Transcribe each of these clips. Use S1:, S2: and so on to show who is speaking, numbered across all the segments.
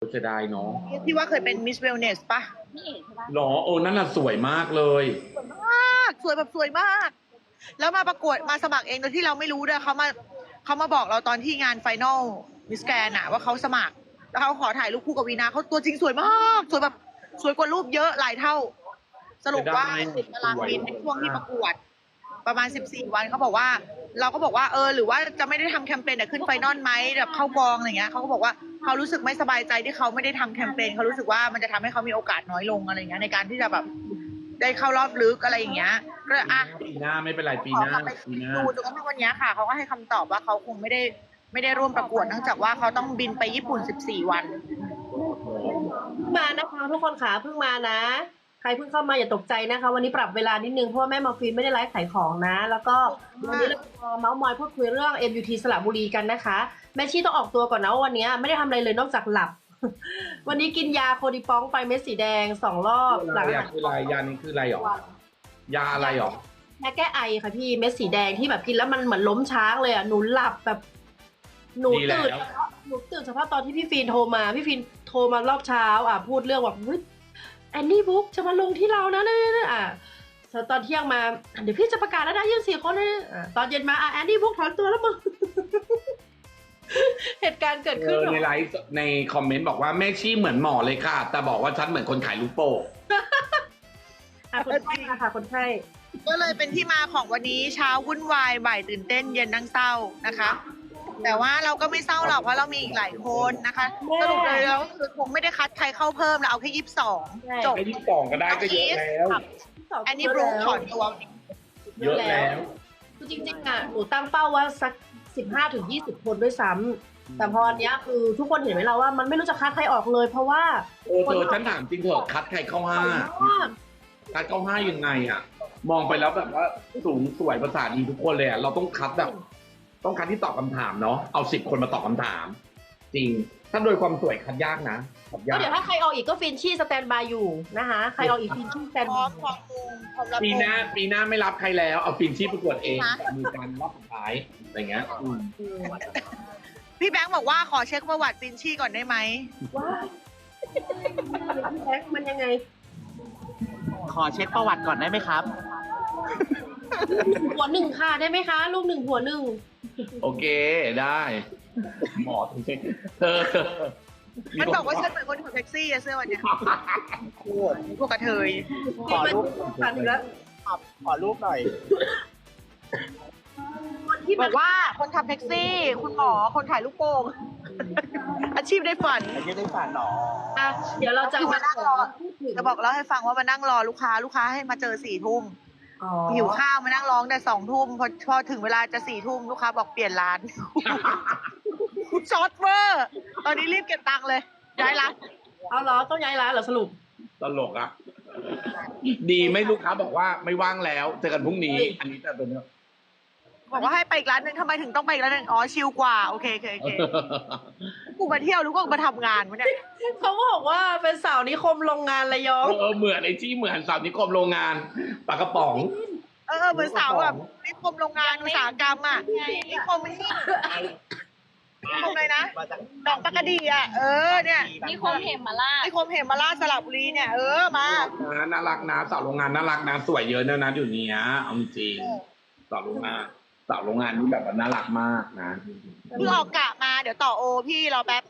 S1: เสียดายเนาะ
S2: ที่ว่าเคยเป็นมิสเวลเนสปะ
S3: นี่เอกใช่ปะ
S1: หรอนั่นน่ะสวยมากเลย
S2: สวยแบบสวยมากแล้วมาประกวดมาสมัครเองโดยที่เราไม่รู้ด้วยเขามาบอกเราตอนที่งานไฟนอลมิสแกรนอะว่าเขาสมัครแล้วเขาขอถ่ายรูปคู่กับวีนาเขาตัวจริงสวยมากสวยแบบสวยกว่ารูปเยอะหลายเท่าสรุปว่าติดตารางบินในช่วงที่ประกวดประมาณ14 วันเขาบอกว่าเราก็บอกว่าหรือว่าจะไม่ได้ทำแคมเปญแต่ขึ้นไฟนอลไหมแบบเข้ากองอะไรเงี้ยเขาก็บอกว่าเขารู้สึกไม่สบายใจที่เขาไม่ได้ทำแคมเปญเขารู้สึกว่ามันจะทำให้เขามีโอกาสน้อยลงอะไรเงี้ยในการที่จะแบบได้เข้ารอบลึกอะไรอย่างเงี้ยก็เลย
S1: ปีหน้าไม่เป็นไรปีหน้า
S2: ดูจนกระทั่งวันนี้ค่ะเขาก็ให้คำตอบว่าเขาคงไม่ได้ร่วมประกวดเนื่องจากว่าเขาต้องบินไปญี่ปุ่น14 วัน
S3: มานะคะทุกคนค่ะเพิ่งมานะใครเพิ่งเข้ามาอย่าตกใจนะคะวันนี้ปรับเวลานิดนึงเพราะว่าแม่มาฟินไม่ได้ไลฟ์ขายของนะแล้วก็วันนี้เราเมาส์มอยพูดคุยเรื่อง MUT สระบุรีกันนะคะแม่ชี่ต้องออกตัวก่อนนะว่าวันนี้ไม่ได้ทำอะไรเลยนอกจากหลับวันนี้กินยาโคดิปองไปเม็ดสีแดง2 รอบ
S1: หลังคืออะไรยานี้คืออะไรหรอยาอะไรหร
S3: อยาแก้ไอค่ะพี่เม็ดสีแดงที่แบบกินแล้วมันเหมือนล้มช้างเลยอ่ะหนูหลับแบบหนูตื่นเฉพาะตอนที่พี่ฟีนโทรมาพี่ฟีนโทรมารอบเช้าพูดเรื่องแบบแอนนี่บุ๊กจะมาลงที่เรานะตอนเที่ยงมาเดี๋ยวพี่จะประกาศแล้วนะ24 คนเลยตอนเย็นมาแอนนี่บุ๊กถอนตัวแล้วมึง เหตุการณ์เกิดขึ้น
S1: ในไลฟ์ในคอมเมนต์บอกว่าแม่ชี่เหมือนหมอเลยค่ะแต่บอกว่าฉันเหมือนคนขายลูกโป่ง
S3: คนไข้ค่ะคนไข้
S2: ก็เลยเป็นที่มาของวันนี้เช้าวุ่นวายบ่ายตื่นเต้นเย็นนั่งเศร้านะคะแต่ว่าเราก็ไม่เศร้าหรอกเพราะเรามีอีกหลายคนนะคะสรุปเลยแล้วคือคงไม่ได้คัดใครเข้าเพิ่มแล้วเอาแค่22จบ
S1: แค่22ก็ได้ก็เยอะแล้ว
S2: อันนี้บรูถอนตัว
S1: เยอะแล้ว
S3: คือจริงๆหนูตั้งเป้าว่าสัก15-20 คนด้วยซ้ำแต่พออันเนี้ยคือทุกคนเห็นไหมเราว่ามันไม่รู้จะคัดใครออกเลยเพราะว่า
S1: ฉันถามจริงเถอะคัดใครเข้า5คัดเข้า5ยังไงมองไปแล้วแบบว่าสูงสวยภาษาดีทุกคนเลยเราต้องคัดแบบต้องคัดที่ตอบคำถามเนาะเอา10 คนมาตอบคำถามจริงถ้าโดยความสวยคัดยากนะ
S3: ก็เดี๋ยวถ้าใครออกอีกก็ฟินชี่สแตนบายอยู่นะคะใครออกอีกฟินชี่สแตนบาย
S1: ปีหน้าไม่รับใครแล้วเอาฟินชี่ประกวดเองมีการรอบสุดท้ายอะไรเงี้ย
S2: พี่แบงค์บอกว่าขอเช็คประวัติฟินชี่ก่อนได้ไหม
S3: ว่าพี่แบงค์มันยังไง
S4: ขอเช็คประวัติก่อนได้ไหมครับ
S3: หัว1ค่ะได้ไหมคะลูก1หัว1
S1: โอเคได้หมอถึงเธอ
S2: มันบอกว่าฉันเป็นคนขับแท็กซี่เสื้อวันเนี้ยพวกกระเทย
S4: ขอรูปขอรูปหน่อย
S2: ที่บอกว่าคนขับแท็กซี่คุณหมอคนถ่ายลูกโป่งอาชีพได้ฝัน
S4: หรอ
S3: เดี๋ยวเราจะ
S2: มานั่งรอจะบอกแล้วให้ฟังว่ามานั่งรอลูกค้าให้มาเจอ4 ทุ่มหิวข้าวมานั่งร้องแต่2 ทุ่มพอถึงเวลาจะ4 ทุ่มลูกค้าบอกเปลี่ยนร้านช็อตเวอร์ตอนนี้รีบเก็บตังค์เลยย้ายร้าน
S3: เอาเหรอต้องย้ายร้านเหรอสรุป
S1: ตลกดีไม่ลูกค้าบอกว่าไม่ว่างแล้วเจอกันพรุ่งนี้อันนี้แต่เป็น
S2: บอกว่าให้ไปอีกร้านนึงทำไมถึงต้องไปอีกร้านนึงชิลกว่าโอเคกูมาเที่ยวหรือว่ามาทำงานวะเนี่ย
S3: เขาบอกว่าเป็นสาวนิคมโรงงานระยอง
S1: เหมือนไอ้ที่เหมือนสาวนิคมโรงงานปลากระป๋อง
S2: เหมือนสาวแบบนิคมโรงงานอุตสาหกรรมนิคมไม่ใช่นิคมเลยนะดอกตะกะดีเนี่ย
S3: นิคมเหมมา
S2: ล่าสระบุรีเนี่ยมา
S1: น่ารักนะสาวโรงงานน่ารักนะสวยเยอะนะอยู่นี้เอาจริงสาวโรงงานนี่แบบน่ารักมากนะ
S2: เพิ่งออกกะมาเดี๋ยวต่อโอพี่รอแป๊บ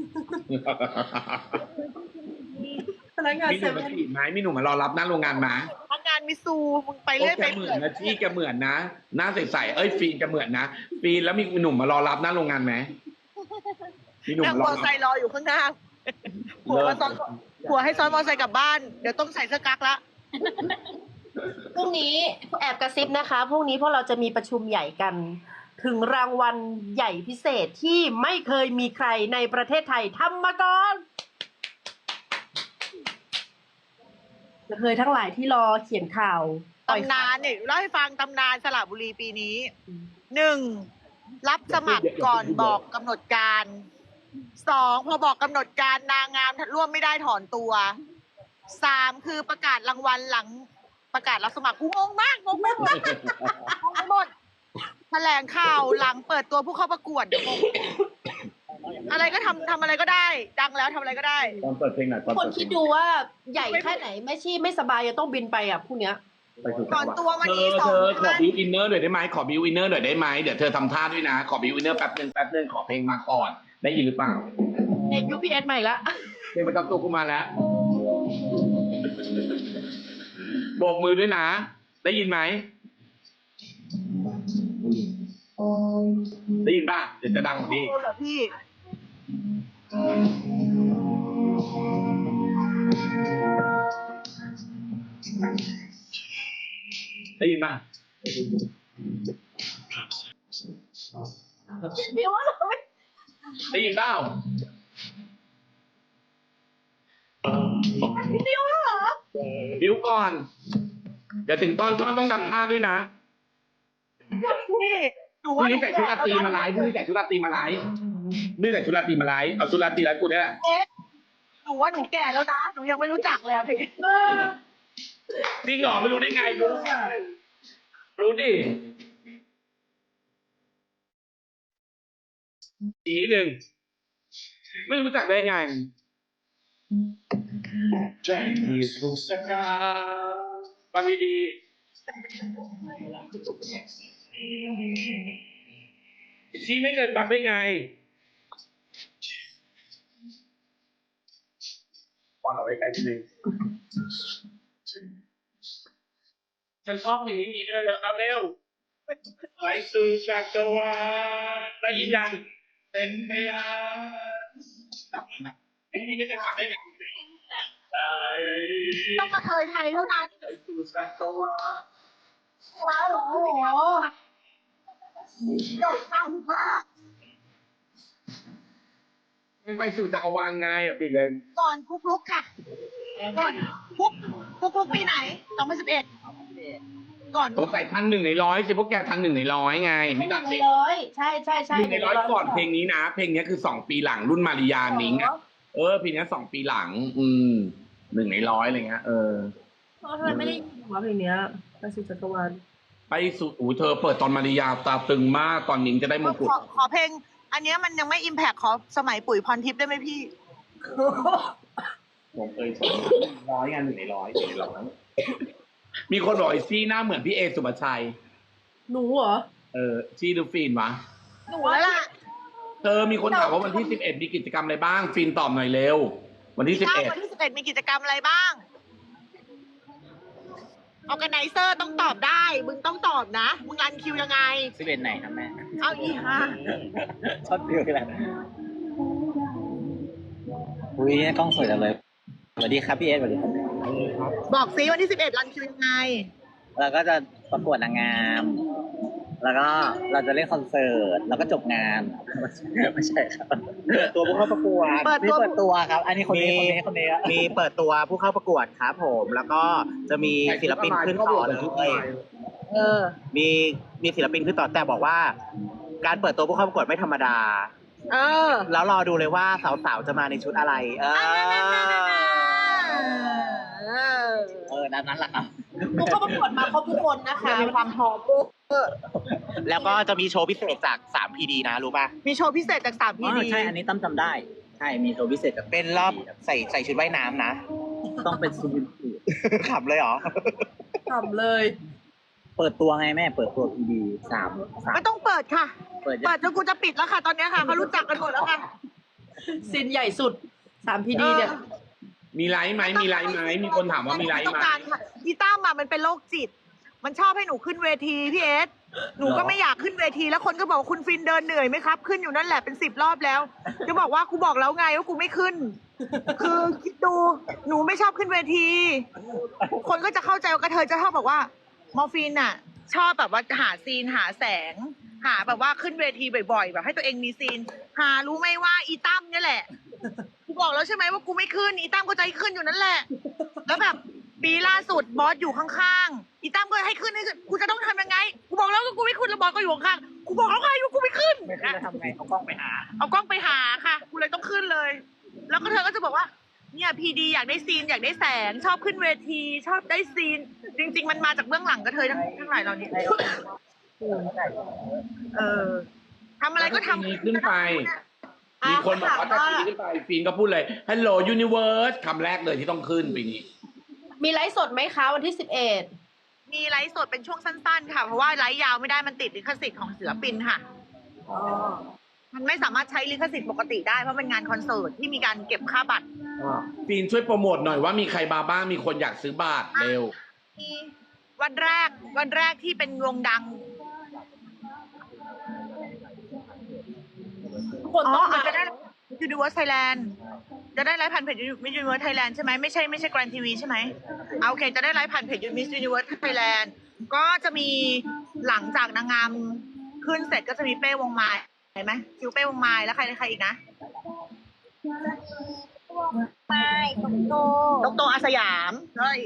S3: พนักงาน
S1: มีหนุ่มมาจีบไหมมีหนุ่มมารอรับหน้าโรงงานไหม
S2: พนักงานมิซูมึงไปเรื่อยไป
S1: เหมือนนะที่แกเหมือนนะหน้าใสๆฟีนแกเหมือนนะฟีนแล้วมีหนุ่มมารอรับหน้าโรงงานไหม
S2: มีหนุ่มมอไซค์รออยู่ข้างหน้าผัวให้ซ้อนมอไซค์กลับบ้านเดี๋ยวต้องใส่เสื้อกั๊กละ
S3: พรุ่งนี้แอบกระซิบนะคะพรุ่งนี้พวกเราจะมีประชุมใหญ่กันถึงรางวัลใหญ่พิเศษที่ไม่เคยมีใครในประเทศไทยทำมาก่อนจะเคยทั้งหลายที่รอเขียนข่าว
S2: ตำนานเนี่ยเล่าให้ฟังตำนานสระบุรีปีนี้1รับสมัครก่อนบอกกำหนดการ2พอบอกกำหนดการนางงามร่วมไม่ได้ถอนตัว3คือประกาศรางวัลหลังประกาศรับสมัครกูงงมากงงหมดแถลงข่าวหลังเปิดตัวผู้เข้าประกวดเดี๋ยวงงอะไรก็ทำอะไรก็ได้ ดังแล้วทำอะไรก็ได้
S1: ตอนเปิดเพลงหน่อยตอน
S3: คน
S1: เปิดเพล
S3: คิด
S1: ง
S3: ดูว่าใหญ่แค่ไหนแม่ชี่ไม่สบายจะต้องบินไปอ่ะพรุ่งเนี้ย
S1: ไปสู่
S2: ก่อนตัววันนี้
S1: เธอขอ
S2: 2,000
S1: บิวอินเนอร์หน่อยได้ไหมขอบิวอินเนอร์หน่อยได้ไหมเดี๋ยวเธอทำท่าด้วยนะขอบิวอินเนอร์แป๊บนึงขอเพลงมาก่อนได้ยินหรือเปล่า
S3: เอก UPS ใหม่ละ
S1: เพลงประจำตัวกูมาแล้วโบกมือด้วยนะ ได้ยินไหมได้ยินป่ะเดี๋ยวจะดังกว่านี้
S2: เหรอพี่
S1: ได้ยินป่ะ
S3: พี่ว่าเราไม่
S1: ได้ยินเปล่า
S3: พี่ว่าเหรอ
S1: บิวก่อนเดี๋ยวถึงตอนต้องทำท่าด้วยนะ
S2: พี่หนู
S1: พรุ่ง
S2: ว่า
S1: นี้แต่ชุดราตรีมาไลฟ์พรุ่งนี้แต่ชุดราตรีมาไลฟ์นี่แต่ชุดราตรีมาไลฟ์เอาชุดราตรีไลฟ์กูเนี่ยแหละ
S2: หนูว่าหนูแก่แล้วนะ หนูยังไม่รู้จักเลยอะพี่
S1: จริงเหรอไม่รู้ได้ไงรู้ดิอีกหนึ่งไม่รู้จักได้ไงใจที่สุขสกาฟังดีๆชี้ไม่เกินฟังได้ไงฟังเอาไว้ใกล้ทีนึงฉันชอบอย่างนี้เลยครับเร็วไปสู่จักรวาลได้ยินยังเป็นพยานนี่ไม่ได้ทำได้ไง
S2: ต้องมาเคยไทยเท่านั้น
S1: ไปสู่จักรวาล
S2: ว้าวโอ้โหจบจังมาก
S1: ไปสู่จักรวาลไงอ่ะพี่เล่น
S2: ก่อนคุกลุกค่ะ ก่อนคุกลุกปีไหน2011 ก่อน
S1: ผมใส่1,100สิพวกแก1,100ไงไม่ดัดเด็ก
S3: ใช่
S1: 1,100ก่อนเพลงนี้นะเพลงนี้คือ2 ปีหลังรุ่นมาริยานิงอ่ะเพลงนี้2 ปีหลัง1,100อะไรเงี้ย
S3: ทำไมไม่ได้ยินวะเพลงเนี้ยไปสู่จักรวาล
S1: ไปสู่เธอเปิดตอนมาริยาตาตึงมากตอนนิงจะได้มงกุฎ
S2: ขอเพลง อันเนี้ยมันยังไม่อิมแพคขอสมัยปุ๋ยพรทิพย์ได้ไหมพี่
S1: ผมเคยสอน100งาน100มีคนบอกไอ้ซี่หน้าเหมือนพี่เอสุภาชัย
S3: หนูเหรอ
S1: ซี่หรือฟีนวะ
S2: หนูแล้วล่ะ
S1: เธอมีคนถามว่าวันที่11มีกิจกรรมอะไรบ้างฟีนตอบหน่อยเร็ววันที่
S2: วันที่11มีกิจกรรมอะไรบ้างออร์แกไนเซอร์ต้องตอบได้ มึงต้องตอบนะ มึงรันคิวยังไง
S4: 11ไหนครับแม่
S2: เอาอีห่า
S4: ชอบฟิลอะไรอุ้ยกล้องสวยจังเลยสวัสดีครับพี่เอสสวัสดีครับ
S2: บอกซิวันที่11รันคิวยังไง
S4: เราก็จะประกวดนางงาม แล้วก็เราจะเล่นคอนเสิร์ตแล้วก็จบงาน ไม่ใช่ครับตัวผู้เข้าประกวด
S2: เปิดตัว
S4: ครับ อันนี้คนนี้มีเปิดตัวผู้เข้าประกวดครับผมแล้วก็จะมีศิลปินขึ้นต่อเลยมีศิลปินขึ้นต่อแต่บอกว่า การเปิดตัวผู้เข้าประกวดไม่ธรรมดา แล้วรอดูเลยว่าสาวๆจะมาในชุดอะไร นั้นแหละครับ
S3: ผู้เข้าประกวดมาครบทุกคนนะคะ
S2: มีความพร้อม
S4: แล้วก็จะมีโชว์พิเศษจาก 3PD นะรู้ป่ะ
S2: มีโชว์พิเศษจาก3 PD
S4: ใช่ อันนี้ตั้มจำได้ ใช่ มีโชว์พิเศษจากเป็นรอบใส่ชุดว่ายน้ำนะ ต้องเป็นซูบินขำเลยเหรอ
S3: ทำเลย
S4: เปิดตัวไงแม่ เปิดตัว PD 3
S2: ไม่ต้องเปิดค่ะ
S4: เปิด
S2: จนกูจะปิดแล้วค่ะ ตอนเนี้ยค่ะเขารู้จักกันหมดแล้วค่ะ
S3: ซินใหญ่สุด 3PD เนี่ย
S1: มีไลฟ์ไหมมีคนถามว่ามีไลฟ์
S2: ต้อง
S1: ไหม
S2: การค่ะอีตั้มอะมันเป็นโรคจิต มันชอบให้หนูขึ้นเวทีพี่เอสหนูก็ไม่อยากขึ้นเวทีแล้วคนก็บอกว่าคุณฟินเดินเหนื่อยไหมครับ ขึ้นอยู่นั่นแหละเป็น10 รอบแล้ว จะบอกว่ากูบอกแล้วไงว่ากูไม่ขึ้น คือคิดดูหนูไม่ชอบขึ้นเวที คนก็จะเข้าใจว่ากระเทยจะชอบบอกว่ามอร์ฟีนอะชอบแบบว่าหาซีนหาแสง หาแบบว่าขึ้นเวทีบ่อยๆแบบให้ตัวเองมีซีน หารู้ไหมว่าอีตั้มเนี่ยแหละกูบอกแล้วใช่ไหมว่ากูไม่ขึ้นอีตั้มก็จะให้ขึ้นอยู่นั่นแหละ แล้วแบบปีล่าสุดบอสอยู่ข้างๆอีตั้มก็ให้ขึ้นกูจะต้องทำยังไงกูบอกแล้วว่ากูไม่ขึ้นแล้วบอสก็อยู่ข้างๆกูบอกแล้วไงว่ากูไม่ขึ้น
S4: ไม่รู้จะทำไงเอากล้องไปหา
S2: เอากล้องไปหาค่ะกูเลยต้องขึ้นเลย แล้วก็เธอก็จะบอกว่าเนี่ยพีดีอยากได้ซีนอยากได้แสงชอบขึ้นเวทีชอบได้ซีน จริง ๆ มันมาจากเบื้องหลังกระเทยทั้งหลายเรานี่ทำอะไรก็ทำ
S1: ขึ้นไปมีคนบอกว่าถ้า
S3: ถามว่า
S1: ปีนขึ้นไปฟีนก็พูดเลย Hello Universe คำแรกเลยที่ต้องขึ้นปีนี้
S3: มีไลฟ์สดไหมคะวันที่11
S2: มีไลฟ์สดเป็นช่วงสั้นๆ ค่ะ เพราะว่าไลฟ์ยาวไม่ได้มันติดลิขสิทธิ์ของศิลปินค่ะ มันไม่สามารถใช้ลิขสิทธิ์ปกติได้เพราะเป็นงานคอนเสิร์ตที่มีการเก็บค่าบัตร
S1: ฟีนช่วยโปรโมทหน่อยว่ามีใครมาบ้างมีคนอยากซื้อบัตรเร็ว
S2: มีวันแรกที่เป็นวงดัง
S3: คน
S2: อ๋
S3: ต้
S2: อ
S3: อง
S2: อา
S3: มา
S2: จจะได้ Universe Thailand จะได้ไลฟ์ผ่านเพจ Miss Universe Thailand ใช่ไหมไม่ใช่ Grand TV ใช่ไหมเอาโอเค จะได้ไลฟ์ผ่านเพจ Miss Universe Thailand ก็จะมีหลังจากนางงามขึ้นเสร็จก็จะมีเป้วงไม้เห็นไหมคิวเป้วงไม้แล้วใครอีกนะ
S5: ไม่ตกโต
S2: ดรอาสยามแล้วอะไรอีก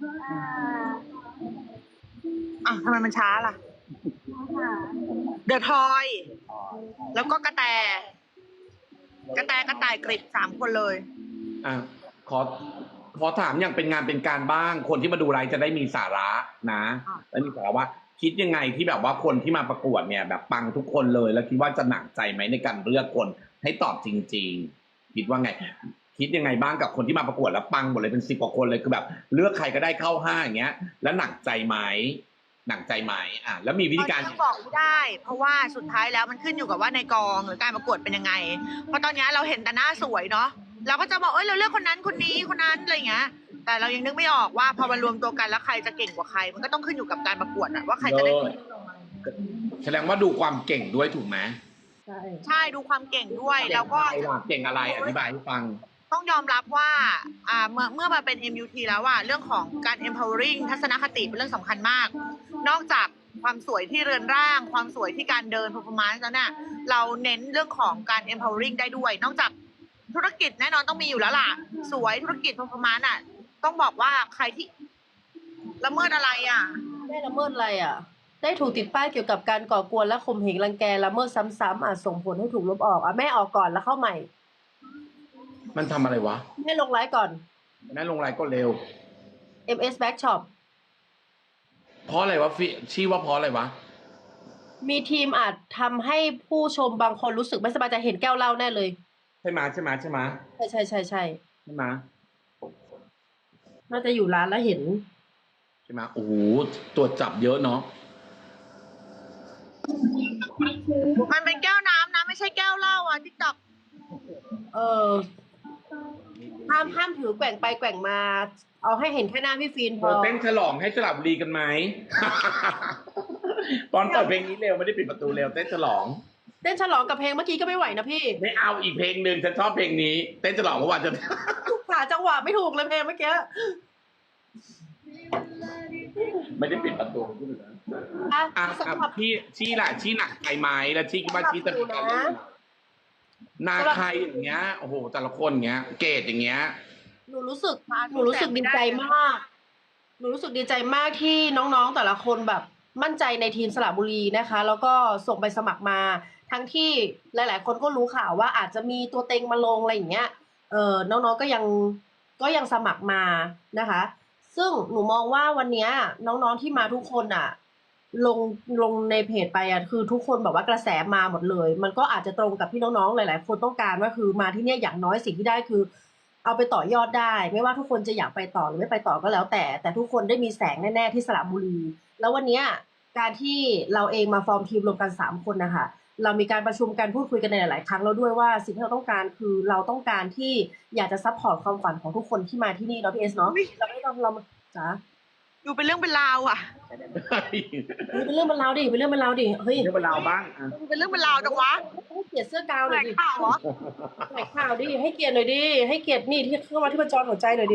S2: อ่ะทำไมมันช้าล่ะ เดอะทอย แล้วก็กระต่ายกริบ3 คนเลย
S1: อ่ะขอถามอย่างเป็นงานเป็นการบ้างคนที่มาดูไลฟ์จะได้มีสาระนะ
S2: อ่ะ
S1: แล้วมีสาระว่าคิดยังไงที่แบบว่าคนที่มาประกวดเนี่ยแบบปังทุกคนเลย แล้วคิดว่าจะหนักใจไหมในการเลือกคนให้ตอบจริง ๆ คิดว่าไง คิดยังไงบ้างกับคนที่มาประกวดแล้วปังหมดเลยเป็น10 กว่าคนเลยคือแบบ เลือกใครก็ได้เข้า5อย่างเงี้ย แล้วหนักใจไหมอ่ะแล้วมีวิธีการ
S2: ตอนนี้บอกไม่ได้ เพราะว่าสุดท้ายแล้วมันขึ้นอยู่กับว่าในกองหรือการประกวดเป็นยังไง เพราะตอนนี้เราเห็นแต่หน้าสวยเนาะเราก็จะบอกเราเลือกคนนั้นคนนี้คนนั้นอะไรอย่างเงี้ย แต่เรายังนึกไม่ออกว่าพอมารวมตัวกันแล้วใครจะเก่งกว่าใคร มันก็ต้องขึ้นอยู่กับการประกวดอะว่าใครจะได้ที่หนึ่ง
S1: แสดงว่าดูความเก่งด้วยถูกไหม
S3: ใช่
S2: ใช่ดูความเก่งด้วยแล้วก็
S1: เก่งอะไรอธิบายให้ฟัง
S2: ต้องยอมรับว่าเมื่อมาเป็น MUT แล้วเรื่องของการ empowering ทัศนคติเป็นเรื่องสำคัญมาก นอกจากความสวยที่เรือนร่าง ความสวยที่การเดิน performance แล้วเนี่ยเราเน้นเรื่องของการ empowering ได้ด้วย นอกจากธุรกิจแน่นอนต้องมีอยู่แล้วล่ะ สวยธุรกิจ performance ต้องบอกว่าใครที่ละเมิดอะไร
S3: ได้ละเมิดอะไรอ่ะ ได้ถูกติดป้ายเกี่ยวกับการก่อกวนและข่มเหงรังแกละเมิดซ้ำๆอาจส่งผลให้ถูกลบออกแม่ออกก่อนแล้วเข้าใหม่
S1: มันทำอะไรวะ
S3: แม่ลงไลฟ์ก่อน
S1: แม่ลงไลน์ก็เร็ว
S3: MS Back Shop
S1: เพราะอะไรวะชี้ว่าเพราะอะไรวะ
S3: มีทีมอาจทำให้ผู้ชมบางคนรู้สึกไม่สบายใจเห็นแก้วเหล้าแน่เลย
S1: ใช่ไหม
S3: ใช่
S1: ใช่ไหม
S3: น่าจะอยู่ร้านแล้วเห็น
S1: ใช่ไหมโอ้โหตรวจจับเยอะเนาะ
S2: มันเป็นแก้วน้ำนะไม่ใช่แก้วเหล้าTikTok
S3: ห้ามถือแกว่งไปแกว่งมา เอาให้เห็นแค่หน้าพี่ฟีนพอ
S1: เต้นฉลองให้สลับบุรีกันไหม ตอนเปิดเพลงนี้เร็วไม่ได้ปิดประตูเร็วเต้นฉลอง
S3: เต้นฉลองกับเพลงเมื่อกี้ก็ไม่ไหวนะพี่
S1: ไม่เอาอีกเพลงหนึ่งฉันชอบเพลงนี้ เต้นฉลองเมื่อวานจะ
S3: หาจังหวะไม่ถูกเลยเพลงเมื่อกี้
S1: ไม่ได้ปิดประตูอ่ะพี่ชี้ล่ะชี้หนักใจไหมแล้วชี้คิดว่าชี้จะเป็นการเล่นนาใครอย่างเงี้ยโอ้โหแต่ละคนอย่างเงี้ย เกรดอย่างเงี้ย
S3: หนูรู้สึกดีใจมาก หนูรู้สึกดีใจมากที่น้องๆแต่ละคนแบบมั่นใจในทีมสระบุรีนะคะ แล้วก็ส่งไปสมัครมา ทั้งที่หลายๆคนก็รู้ข่าวว่าอาจจะมีตัวเต็งมาลงอะไรอย่างเงี้ย น้องๆก็ยังสมัครมานะคะ ซึ่งหนูมองว่าวันนี้น้องๆที่มาทุกคนลงในเพจไปคือทุกคนแบบว่ากระแสมาหมดเลย มันก็อาจจะตรงกับที่น้องๆหลายๆคนต้องการว่าคือมาที่เนี่ยอย่างน้อยสิ่งที่ได้คือ เอาไปต่อยอดได้ ไม่ว่าทุกคนจะอยากไปต่อหรือไม่ไปต่อก็แล้วแต่ทุกคนได้มีแสงแน่ๆที่สระบุรีแล้ววันนี้การที่เราเองมาฟอร์มทีมรวมกัน3 คนนะคะเรามีการประชุมกันพูดคุยกันในหลายๆครั้งแล้วด้วยว่าสิ่งที่เราต้องการคือเราต้องการที่อยากจะซัพพอร์ตความฝันของทุกคนที่มาที่นี่เนาะพี่เอสเนาะเราไม่ต้องเราจ๋า
S2: ดูเป็นเรื่องเป็นราว
S3: เป็นเรื่องเป็นราวดิเฮ้ย
S1: เรื่องเป็นราวบ้าง
S2: เป็นเรื่องเป็นราวจังวะ
S3: ให้เกียรติเสื้อกาวหน่อยดิ
S2: ข่าวเหรอ
S3: แหล่งข่าวดิให้เกียรติหน่อยดิให้เกียรตินี่ที่เข้ามาที่ประจรหัวใจหน่อยดิ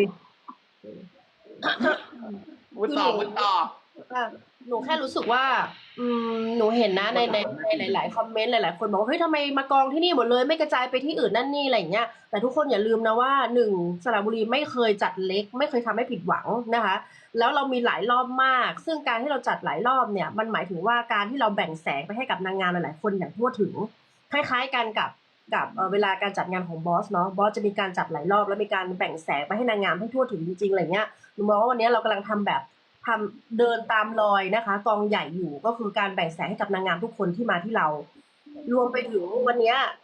S1: พูดต่อ
S3: หนูแค่รู้สึกว่าหนูเห็นนะในหลายๆคอมเมนต์หลายๆคนบอกว่าเฮ้ยทำไมมากองที่นี่หมดเลยไม่กระจายไปที่อื่นนั่นนี่อะไรอย่างเงี้ยแต่ทุกคนอย่าลืมนะว่าสระบุรีไม่เคยจัดเล็กไม่เคยทำให้ผิดหวังนะคะแล้วเรามีหลายรอบมากซึ่งการที่เราจัดหลายรอบเนี่ยมันหมายถึงว่าการที่เราแบ่งแสงไปให้กับนางงามหลายๆคนอย่างทั่วถึงคล้ายๆกันกับเวลาการจัดงานของบอสเนาะบอสจะมีการจัดหลายรอบแล้วมีการแบ่งแสงไปให้นางงามให้ทั่วถึงจริงๆอะไรเงี้ยหนูมองว่าวันนี้เรากำลังทำเดินตามรอยนะคะกองใหญ่อยู่ก็คือการแบ่งแสงให้กับนางงามทุกคนที่มาที่เรารวมไปถึงวันนี้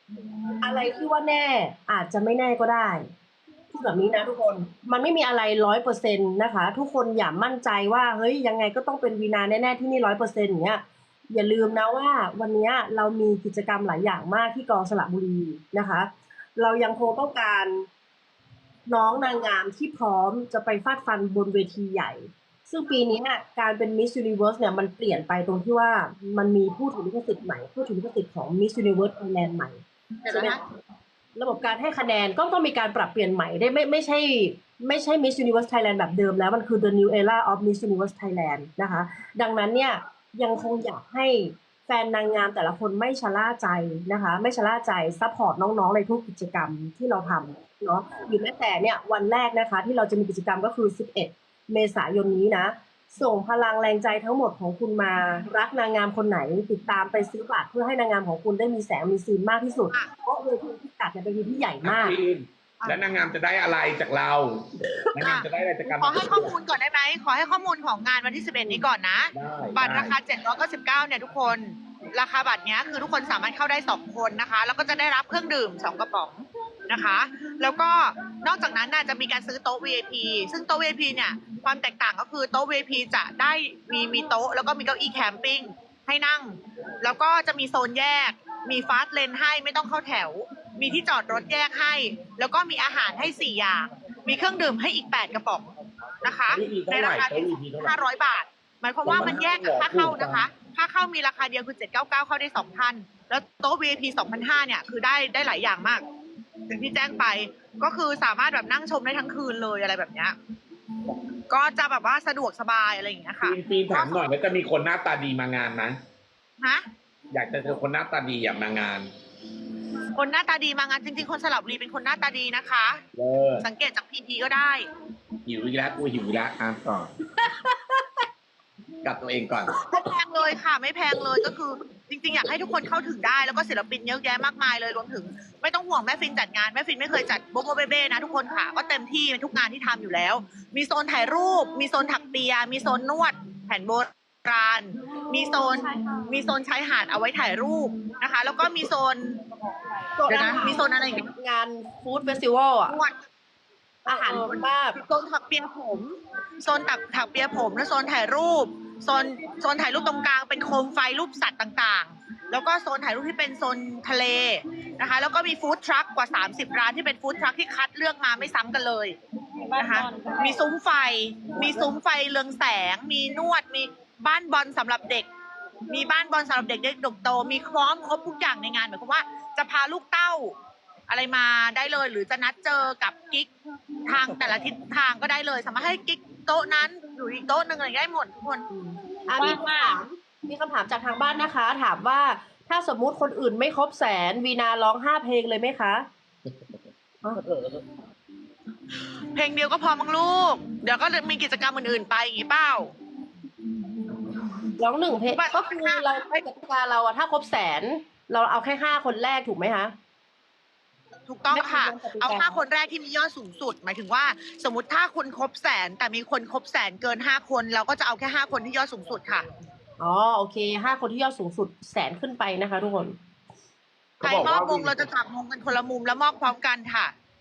S3: อะไรที่ว่าแน่อาจจะไม่แน่ก็ได้พูดแบบนี้นะทุกคน มันไม่มีอะไร100%นะคะ ทุกคนอย่ามั่นใจว่าเฮ้ยยังไงก็ต้องเป็นวีนาแน่ๆที่นี่100%อย่างเงี้ยอย่าลืมนะว่าวันนี้เรามีกิจกรรมหลายอย่างมากที่กองสระบุรีนะคะ เรายังคงต้องการน้องนางงามที่พร้อมจะไปฟาดฟันบนเวทีใหญ่ ซึ่งปีนี้การเป็น Miss Universe เนี่ยมันเปลี่ยนไปตรงที่ว่ามันมีผู้ถือลิขสิทธิ์ใหม่ผู้ถือลิขสิทธิ์ของ Miss Universe Thailand ใหม่
S2: เดี๋ยวนะ
S3: ระบบการให้คะแนนก็ต้องมีการปรับเปลี่ยนใหม่ได้ไม่ใช่ Miss Universe Thailand แบบเดิมแล้วมันคือ The New Era of Miss Universe Thailand นะคะ ดังนั้นเนี่ยยังคงอยากให้แฟนนางงามแต่ละคนไม่ชะล่าใจนะคะไม่ชะล่าใจซัพพอร์ตน้องๆในทุกกิจกรรมที่เราทำเนาะหรือแม้แต่เนี่ยวันแรกนะคะที่เราจะมีกิจกรรมก็คือ11 เมษายนนี้นะส่งพลังแรงใจทั้งหมดของคุณมารักนางงามคนไหนติดตามไปซื้อบัตรเพื่อให้นางงามของคุณได้มีแสงมีซีนมากที่สุดเพราะเวทีที่จัดเนี่ยเป็นเวทีที่ใหญ่มาก
S1: และนางงามจะได้อะไรจากเรา นางงามจะได้อะไรจากการ
S2: ขอให้ข้อมูลก่อนได้ไหม ขอให้ข้อมูลของงานวันที่ 11 นี้ก่อนนะ
S1: ได้
S2: บัตรราคา 799 เนี่ยทุกคน ราคาบัตรเนี้ยคือทุกคนสามารถเข้าได้ 2 คนนะคะ แล้วก็จะได้รับเครื่องดื่ม 2 กระป๋องนะคะ แล้วก็นอกจากนั้นน่ะจะมีการซื้อโต๊ะ VIP ซึ่งโต๊ะ VIP เนี่ยความแตกต่างก็คือโต๊ะ VIP จะได้มีโต๊ะแล้วก็มีเก้าอี้แคมปิ้งให้นั่ง แล้วก็จะมีโซนแยก มีฟาสต์เลนให้ไม่ต้องเข้าแถว มีที่จอดรถแยกให้ แล้วก็มีอาหารให้ 4 อย่าง มีเครื่องดื่มให้อีก 8 กระป๋องนะคะ ในราคาที่500 บาท หมายความว่ามันแยกกับค่าเข้านะคะ ค่าเข้ามีราคาเดียวคือ 799 เข้าได้ 2 ท่าน แล้วโต๊ะ VIP 2,500 เนี่ยคือได้หลายอย่างมากอย่างที่แจ้งไป ก็คือสามารถแบบนั่งชมได้ทั้งคืนเลยอะไรแบบเนี้ย ก็จะแบบว่าสะดวกสบายอะไรอย่างเงี้ยค่ะ
S1: ปีนถามหน่อยแล้วจะมีคนหน้าตาดีมางานไหม
S2: ฮะ
S1: อยากจะเจอคนหน้าตาดีมางาน
S2: คนหน้าตาดีมางานจริงๆ คนสระบุรีเป็นคนหน้าตาดีนะคะ สังเกตจากพีพีก็ได้
S1: หิวอีกแล้วกูหิวอีกแล้วต่อ กับตัวเองก่อน
S2: ไม่แพงเลยค่ะ ไม่แพงเลยก็คือ จริงๆ อยากให้ทุกคนเข้าถึงได้แล้วก็ศิลปินเยอะแยะมากมายเลยรวมถึง ไม่ต้องห่วงแม่ฟินจัดงานแม่ฟินไม่เคยจัดโบโบเบ้นะทุกคนค่ะก็เต็มที่ในทุกงานที่ทำอยู่แล้ว มีโซนถ่ายรูป มีโซนถักเปียมีโซนนวดแผนโบราณมีโซนชายหาดเอาไว้ถ่ายรูปนะคะ แล้วก็มีโซนเดี๋ยวนะมีโซนอะไรอีก
S3: งานฟู้ดเฟสติวัลอ่ะ
S2: นวด
S3: อาหารคนมาก
S2: โซนถักเปียผมโซนถักเปียผมและโซนถ่ายรูปโซนถ่ายรูปตรงกลางเป็นโคมไฟรูปสัตว์ต่างๆ แล้วก็โซนถ่ายรูปที่เป็นโซนทะเลนะคะแล้วก็มีฟู้ดทรัคกว่า30ร้านที่เป็นฟู้ดทรัคที่คัดเลือกมาไม่ซ้ำกันเลยนะคะมีซุ้มไฟเรืองแสงมีนวดมีบ้านบอลสำหรับเด็ก มีบ้านบอลสำหรับเด็กเด็กโตมีพร้อมครบทุกอย่างในงานหมายความว่าจะพาลูกเต้าอะไรมาได้เลยหรือจะนัดเจอกับกิ๊กทางแต่ละทิศทางก็ได้เลยสามารถให้กิ๊กโต๊ะนั้นอยู่อีกโต๊ะหนึ่งอะไรได้หมดทุกคน
S3: มีคำถามจากทางบ้านนะคะ ถามว่าถ้าสมมุติคนอื่นไม่ครบแสนวีนาร้อง5 เพลงเลยไหมคะ
S2: เพลงเดียวก็พอมั้งลูกเดี๋ยวก็มีกิจกรรมอื่นๆไปอย่างงี้เปล่า
S3: ร้อง1 เพลงก็คือเรากติกาเราอะถ้าครบแสนเราเอาแค่5 คนแรกถูกไหมคะ
S2: ถูกต้องค่ะ เอา5 คนแรกที่มียอดสูงสุด หมายถึงว่าสมมติถ้าคุณครบแสนแต่มีคนครบแสนเกิน5 คนเราก็จะเอาแค่5 คนที่ยอดสูงสุดค่ะ
S3: อ๋อโอเค5 คนที่ยอดสูงสุดแสนขึ้นไปนะคะทุกคน
S2: ใครมอบมงเราจะจับมงกันคนละมุมแล้วมอบพร้อมกันค่ะ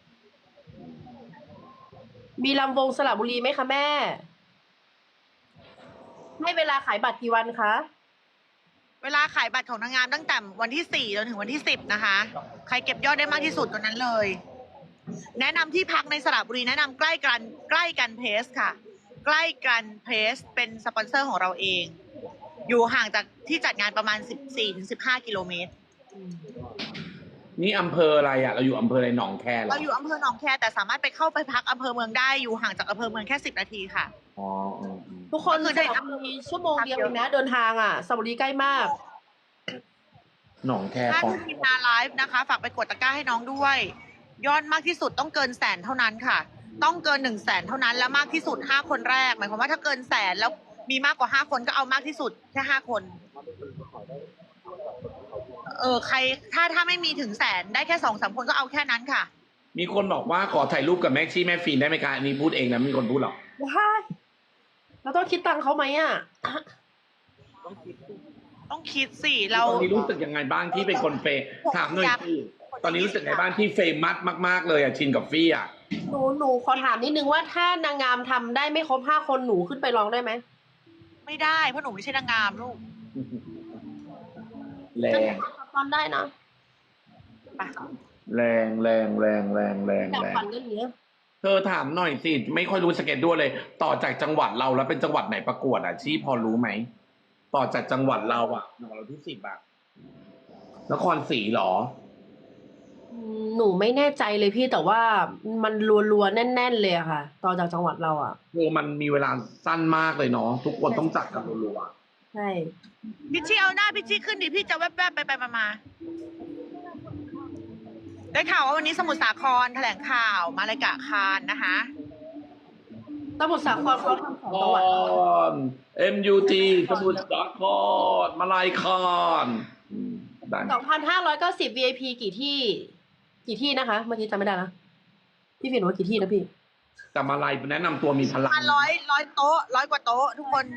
S3: มีลำวงสระบุรีไหมคะแม่ ให้เวลาขายบัตรกี่วันคะ
S2: เวลาขายบัตรของนางงามตั้งแต่วันที่4จนถึงวันที่10นะคะใครเก็บยอดได้มากที่สุดตัวนั้นเลย แนะนำที่พักในสระบุรีแนะนำใกล้กันเพสค่ะ ใกล้กันเพสเป็นสปอนเซอร์ของเราเอง อยู่ห่างจากที่จัดงานประมาณ 14-15 กิโลเมตร
S1: นี่อำเภออะไรอ่ะเราอยู่อำเภออะไรหนองแคเหรอ
S2: เราอยู่อำเภอหนองแคแต่สามารถไปเข้าไปพักอำเภอเมืองได้อยู่ห่างจากอำเภอเมืองแค่10 นาทีค่ะ
S1: อ๋อ
S3: ทุกคน
S2: ก็คือ
S3: ส
S2: ได้
S3: ระบุรีชั่วโมงเดียวเองนะเดินทางอ่ะสระบุรีใกล้มาก
S1: หนองแค
S2: ถ้า
S1: ของ
S2: ทุกทีมนาไลฟ์นะคะ ฝากไปกดตะกร้าให้น้องด้วย ยอดมากที่สุดต้องเกินแสนเท่านั้นค่ะ ต้องเกิน100,000เท่านั้นและมากที่สุด5 คนแรกหมายความว่าถ้าเกินแสนแล้วมีมากกว่า5 คนก็เอามากที่สุดแค่5 คนใครถ้าไม่มีถึงแสนได้แค่2-3 คนก็เอาแค่นั้นค่ะ
S1: มีคนบอกว่าขอถ่ายรูปกับแม่ชี่แม่ฟีนได้ไหมคะอันนี้พูดเองนะไม่มีคนพูดหรอก
S3: ว้ายเราต้องคิดตังค์เขาไหมอ่ะ
S2: ต้องคิดสิเรา
S1: ตอนนี้รู้สึกยังไงบ้างที่เป็นคนเฟย์ถามหน่อยสิตอนนี้รู้สึกไงบ้างที่เฟมัสมากๆเลยอ่ะชินกับฟี่อ่ะ
S3: หนูขอถามนิดนึงว่าถ้านางงามทำได้ไม่ครบ5 คนหนูขึ้นไปร้องได้ไหม
S2: ไม่ได้เพราะหนูไม่ใช่นางงามลูก
S1: แรง
S3: ตอนได้นะ
S2: ไป
S1: แรงแรงแรงแรงแรง
S3: อยาก
S1: แรง
S3: ฝันกันอย่างเงี้ย
S1: เธอถามหน่อยสิไม่ค่อยรู้สเก็ตด้วยเลย ต่อจากจังหวัดเราแล้วเป็นจังหวัดไหนประกวดอ่ะชี้พอรู้ไหมต่อจากจังหวัดเราอ่ะของเราที่10อ่ะนครศรีเหรอ
S3: หนูไม่แน่ใจเลยพี่แต่ว่ามันรัวๆแน่นๆเลยอะค่ะ ต่อจากจังหวัดเราอะ
S1: คือมันมีเวลาสั้นมากเลยเนาะทุกคนต้องจัดกันรัว
S3: ใช่
S2: พี่ชี่เอาหน้าพี่ชี่ขึ้นดิพี่จะแวบๆไปมาได้ข่าวว่าวันนี้สมุทรสาครแถลงข่าวมาเลยกะคารนะคะ
S3: สมุทรสาครเขาทำ
S1: ๆ
S3: 2 จังหวัด
S1: MUT สมุทรสาครมาลายคอนได้
S3: 2,590 VIP กี่ที่นะคะเมื่อกี้จำไม่ได้นะพี่ฟินว่ากี่ที่นะพี่
S1: แต่มาลายแนะนำตัวมีพลัง
S2: มาร้อยโต๊ะ100 กว่าโต๊ะทุกคน